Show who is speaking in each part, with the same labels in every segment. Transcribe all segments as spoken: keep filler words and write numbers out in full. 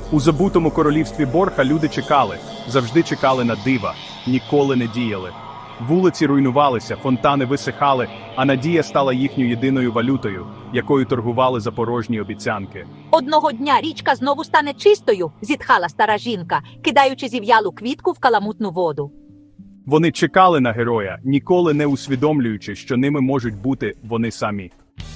Speaker 1: У забутому королівстві Борха люди чекали, завжди чекали на дива, ніколи не діяли. Вулиці руйнувалися, фонтани висихали, а надія стала їхньою єдиною валютою, якою торгували за порожні обіцянки.
Speaker 2: Одного дня річка знову стане чистою, зітхала стара жінка, кидаючи зів'ялу квітку в каламутну воду.
Speaker 1: Вони чекали на героя, ніколи не усвідомлюючи, що ними можуть бути вони самі.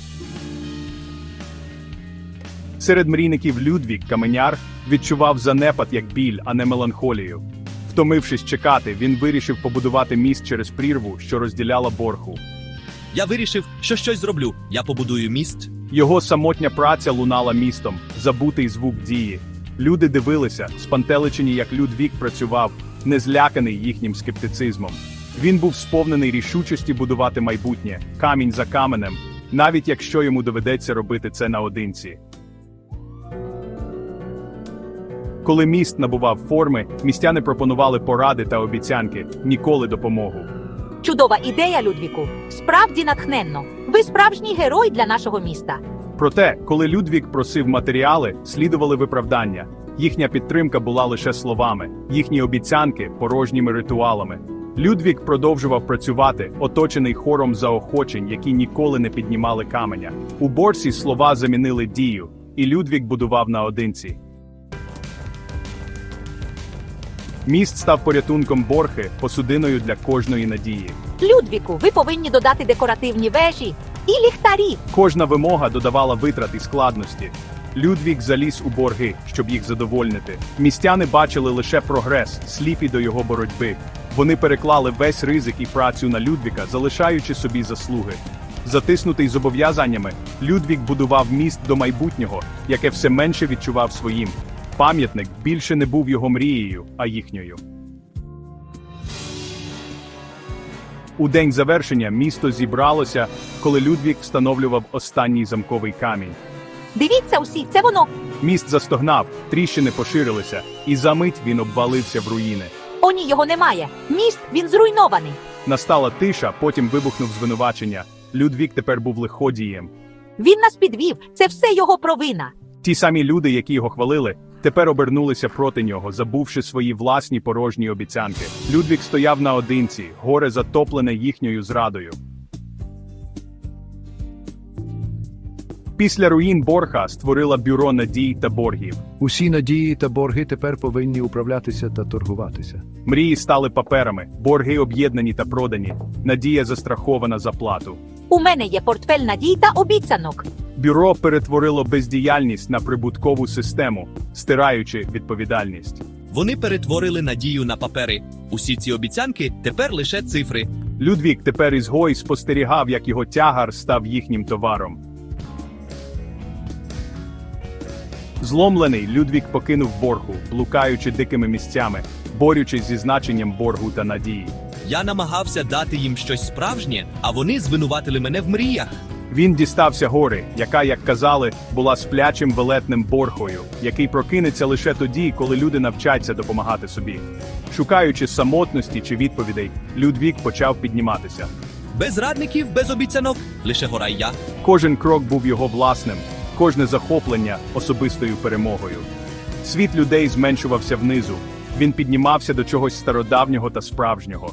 Speaker 1: Серед мрійників Людвік, каменяр, відчував занепад як біль, а не меланхолію. Втомившись чекати, він вирішив побудувати міст через прірву, що розділяла Борху.
Speaker 3: Я вирішив, що щось зроблю. Я побудую міст.
Speaker 1: Його самотня праця лунала містом, забутий звук дії. Люди дивилися, спантеличені, як Людвік працював, не зляканий їхнім скептицизмом. Він був сповнений рішучості будувати майбутнє, камінь за каменем, навіть якщо йому доведеться робити це наодинці. Коли міст набував форми, містяни пропонували поради та обіцянки, ніколи допомогу.
Speaker 2: Чудова ідея, Людвіку. Справді натхненно. Ви справжній герой для нашого міста.
Speaker 1: Проте, коли Людвік просив матеріали, слідували виправдання. Їхня підтримка була лише словами, їхні обіцянки – порожніми ритуалами. Людвік продовжував працювати, оточений хором заохочень, які ніколи не піднімали каменя. У Борсі слова замінили дію, і Людвік будував наодинці. Міст став порятунком Борхи, посудиною для кожної надії.
Speaker 2: Людвіку, ви повинні додати декоративні вежі і ліхтарі.
Speaker 1: Кожна вимога додавала витрат і складності. Людвік заліз у борги, щоб їх задовольнити. Містяни бачили лише прогрес, сліпі до його боротьби. Вони переклали весь ризик і працю на Людвіка, залишаючи собі заслуги. Затиснутий зобов'язаннями, Людвік будував міст до майбутнього, яке все менше відчував своїм. Пам'ятник більше не був його мрією, а їхньою. У день завершення місто зібралося, коли Людвік встановлював останній замковий камінь.
Speaker 2: Дивіться усі, це воно.
Speaker 1: Міст застогнав, тріщини поширилися, і за мить він обвалився в руїни.
Speaker 2: О ні, його немає. Міст, він зруйнований.
Speaker 1: Настала тиша, потім вибухнув звинувачення. Людвік тепер був лиходієм.
Speaker 2: Він нас підвів, це все його провина.
Speaker 1: Ті самі люди, які його хвалили, тепер обернулися проти нього, забувши свої власні порожні обіцянки. Людвік стояв наодинці, горе затоплене їхньою зрадою. Після руїн Борха створила бюро надій та боргів.
Speaker 4: Усі надії та борги тепер повинні управлятися та торгуватися.
Speaker 1: Мрії стали паперами, борги об'єднані та продані, надія застрахована за плату.
Speaker 2: У мене є портфель надій та обіцянок.
Speaker 1: Бюро перетворило бездіяльність на прибуткову систему, стираючи відповідальність.
Speaker 3: Вони перетворили надію на папери. Усі ці обіцянки тепер лише цифри.
Speaker 1: Людвік тепер ізгой спостерігав, як його тягар став їхнім товаром. Зломлений, Людвік покинув Боргу, блукаючи дикими місцями, борючись зі значенням боргу та надії.
Speaker 3: Я намагався дати їм щось справжнє, а вони звинуватили мене в мріях.
Speaker 1: Він дістався гори, яка, як казали, була сплячим велетним Борхою, який прокинеться лише тоді, коли люди навчаться допомагати собі. Шукаючи самотності чи відповідей, Людвік почав підніматися.
Speaker 3: Без радників, без обіцянок, лише гора й я.
Speaker 1: Кожен крок був його власним, кожне захоплення – особистою перемогою. Світ людей зменшувався внизу, він піднімався до чогось стародавнього та справжнього.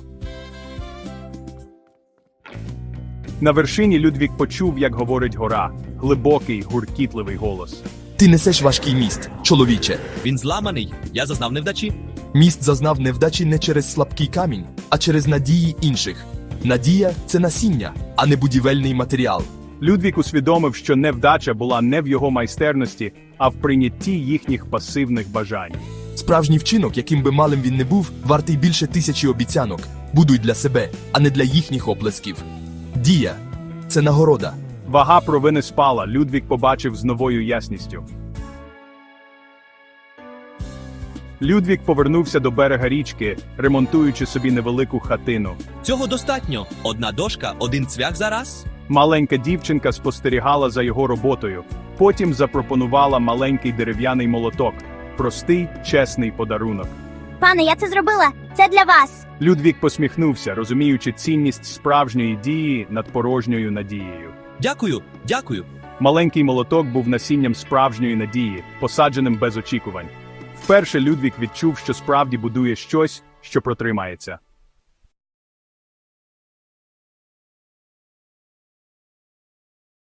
Speaker 1: На вершині Людвік почув, як говорить гора, глибокий, гуркітливий голос.
Speaker 5: Ти несеш важкий міст, чоловіче.
Speaker 3: Він зламаний, я зазнав невдачі.
Speaker 5: Міст зазнав невдачі не через слабкий камінь, а через надії інших. Надія – це насіння, а не будівельний матеріал.
Speaker 1: Людвік усвідомив, що невдача була не в його майстерності, а в прийнятті їхніх пасивних бажань.
Speaker 5: Справжній вчинок, яким би малим він не був, вартий більше тисячі обіцянок. Будуй для себе, а не для їхніх оплесків. Дія – це нагорода.
Speaker 1: Вага провини спала, Людвік побачив з новою ясністю. Людвік повернувся до берега річки, ремонтуючи собі невелику хатину.
Speaker 3: Цього достатньо. Одна дошка, один цвях за раз.
Speaker 1: Маленька дівчинка спостерігала за його роботою, потім запропонувала маленький дерев'яний молоток. Простий, чесний подарунок.
Speaker 6: Пане, я це зробила. Це для вас.
Speaker 1: Людвік посміхнувся, розуміючи цінність справжньої дії над порожньою надією.
Speaker 3: Дякую, дякую.
Speaker 1: Маленький молоток був насінням справжньої надії, посадженим без очікувань. Вперше Людвік відчув, що справді будує щось, що протримається.